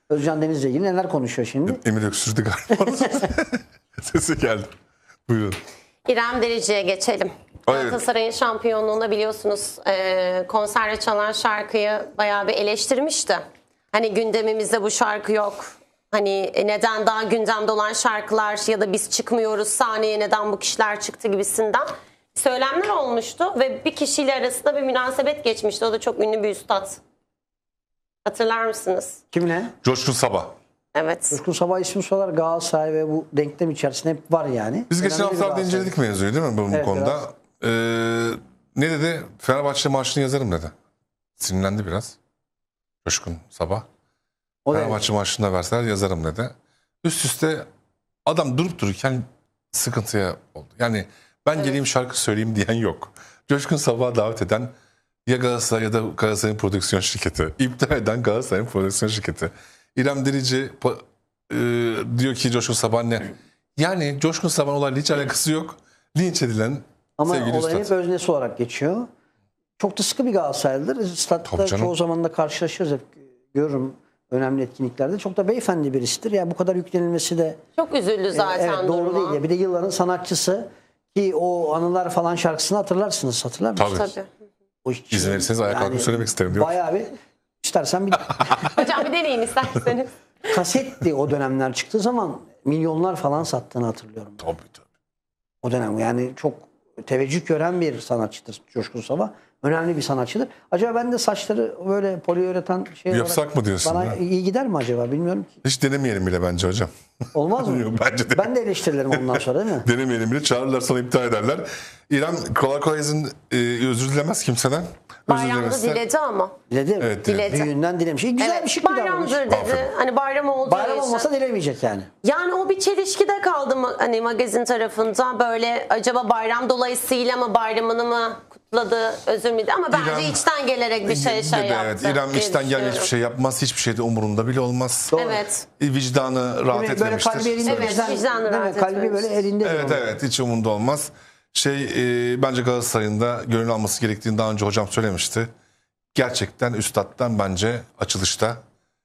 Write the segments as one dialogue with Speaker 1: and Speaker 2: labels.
Speaker 1: Özcan Deniz'le ilgili neler konuşuyor şimdi?
Speaker 2: Emir öksürdü galiba. Sesi geldi. Buyurun.
Speaker 3: İrem Derici'ye geçelim.
Speaker 2: Evet.
Speaker 3: Galatasaray'ın şampiyonluğunda biliyorsunuz konserde çalan şarkıyı bayağı bir eleştirmişti. Hani gündemimizde bu şarkı yok. Hani neden daha gündemde olan şarkılar ya da biz çıkmıyoruz sahneye neden bu kişiler çıktı gibisinden söylemler olmuştu. Ve bir kişiyle arasında bir münasebet geçmişti. O da çok ünlü bir üstad. Hatırlar mısınız?
Speaker 1: Kimle?
Speaker 2: Coşkun Sabah.
Speaker 3: Evet.
Speaker 1: Coşkun Sabah ismi sorular Galatasaray ve bu denklem içerisinde hep var yani.
Speaker 2: Biz geçen
Speaker 1: Önemli bir
Speaker 2: haftalarda
Speaker 1: Galatasaray.
Speaker 2: inceledik mevzuyu değil mi bu
Speaker 1: Evet,
Speaker 2: konuda? Ne dedi? Fenerbahçe marşını yazarım dedi. Sinirlendi biraz. Coşkun Sabah.
Speaker 1: O da
Speaker 2: Fenerbahçe marşını da verseler yazarım dedi. Üst üste adam durup dururken sıkıntıya oldu. Yani ben geleyim şarkı söyleyeyim diyen yok. Coşkun Sabah'a davet eden ya Galatasaray ya da Galatasaray'ın prodüksiyon şirketi. İptal eden Galatasaray'ın prodüksiyon şirketi. İrem Derici diyor ki Coşkun Sabah ne? Yani Coşkun Sabah'ın olayla hiç alakası yok. Linç edilen
Speaker 1: Ama
Speaker 2: sevgili
Speaker 1: olayın hep
Speaker 2: üstad.
Speaker 1: öznesi olarak geçiyor. Çok da sıkı bir Galatasaraylıdır. Statta
Speaker 2: Tabii canım.
Speaker 1: çoğu zaman da karşılaşırız hep. Görürüm önemli etkinliklerde. Çok da beyefendi birisidir. Yani bu kadar yüklenilmesi de
Speaker 3: Çok üzüldü zaten
Speaker 1: evet, doğru
Speaker 3: duruma.
Speaker 1: değil. Ya. Bir de yılların sanatçısı ki o Anılar falan şarkısını hatırlarsınız. Hatırlar mısınız?
Speaker 2: Tabii.
Speaker 3: Tabii.
Speaker 1: O hiç-
Speaker 2: İzin verirseniz ayağa kalkıp söylemek isterim diyor.
Speaker 1: Bayağı bir istersen bir
Speaker 3: Hocam bir deneyin isterseniz.
Speaker 1: kasetti o dönemler çıktığı zaman milyonlar falan sattığını hatırlıyorum.
Speaker 2: Tabii tabii.
Speaker 1: O dönem yani çok teveccüh gören bir sanatçıdır Coşkun Sabah. Önemli bir sanatçıdır. Acaba ben de saçları böyle poliüretan şey
Speaker 2: Yapsak
Speaker 1: olarak
Speaker 2: mı diyorsun
Speaker 1: bana
Speaker 2: ya?
Speaker 1: iyi gider mi acaba bilmiyorum ki.
Speaker 2: Hiç denemeyelim bile bence hocam.
Speaker 1: Olmaz mı?
Speaker 2: Yok, bence de.
Speaker 1: Ben de eleştirilerim ondan sonra değil mi?
Speaker 2: Denemeyelim bile çağırırlar sonra iptal ederler. İrem kolay kolay özür dilemez kimseden. Özür
Speaker 3: Bayramda
Speaker 2: dilemezse-
Speaker 3: diledi ama.
Speaker 1: Diledi.
Speaker 2: Evet,
Speaker 3: diledi.
Speaker 1: Büyüğünden dilemiş. Güzel bir şık bir davranış.
Speaker 3: bayramdır dedi.
Speaker 2: Aferin.
Speaker 3: Hani bayram olduğu
Speaker 1: Bayram
Speaker 3: için.
Speaker 1: olmasa dilemeyecek yani.
Speaker 3: Yani o bir çelişkide kaldı hani magazin tarafında böyle acaba bayram dolayısıyla mı bayramını mı kutladı özür mü? Ama bence
Speaker 2: İrem-
Speaker 3: içten gelerek bir şey
Speaker 2: Dedi,
Speaker 3: yaptı.
Speaker 2: evet. İrem
Speaker 3: diye
Speaker 2: içten gelme hiçbir
Speaker 3: düşünüyorum.
Speaker 2: şey yapmaz. Hiçbir şey de umurunda bile olmaz.
Speaker 1: Doğru.
Speaker 3: Evet.
Speaker 2: Vicdanı rahat
Speaker 1: Böyle
Speaker 2: etmemiştir.
Speaker 1: kalbi elinde
Speaker 3: Evet,
Speaker 1: bizden-
Speaker 3: vicdanı
Speaker 1: değil mi?
Speaker 3: rahat
Speaker 1: Kalbi
Speaker 3: etmemiş.
Speaker 1: böyle elinde.
Speaker 2: Evet evet hiç umurunda olmaz. Bence Galatasaray'ın da gönül alması gerektiğini daha önce hocam söylemişti. Gerçekten üstattan bence açılışta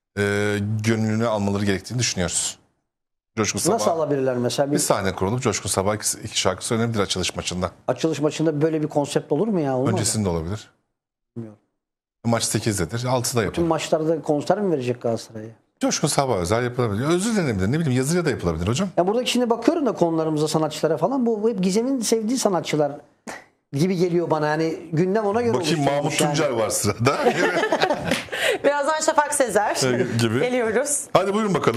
Speaker 2: gönlünü almaları gerektiğini düşünüyoruz. Coşkun Sabah.
Speaker 1: Nasıl alabilirler mesela?
Speaker 2: Bir sahne kurulup Coşkun Sabah iki şarkı söylenebilir açılış maçında.
Speaker 1: Açılış maçında böyle bir konsept olur mu ya? Olmaz mı?
Speaker 2: Öncesinde olabilir.
Speaker 1: Bilmiyorum.
Speaker 2: Maç 8'dedir. 6'da
Speaker 1: Tüm
Speaker 2: yapılır.
Speaker 1: maçlarda konser mi verecek Galatasaray'a?
Speaker 2: Coşkun Sabah özel yapılabilir. Özür dilenebilir. Ne bileyim yazıya da yapılabilir hocam.
Speaker 1: Ya buradaki şimdi bakıyorum da konularımıza, sanatçılara falan. Bu hep Gizem'in sevdiği sanatçılar gibi geliyor bana. Yani gündem ona göre
Speaker 2: Bakayım Mahmut
Speaker 1: oluşturulmuş yani.
Speaker 2: Tuncer var sırada.
Speaker 3: Birazdan Şafak Sezer
Speaker 2: gibi.
Speaker 3: geliyoruz.
Speaker 2: Hadi buyurun bakalım.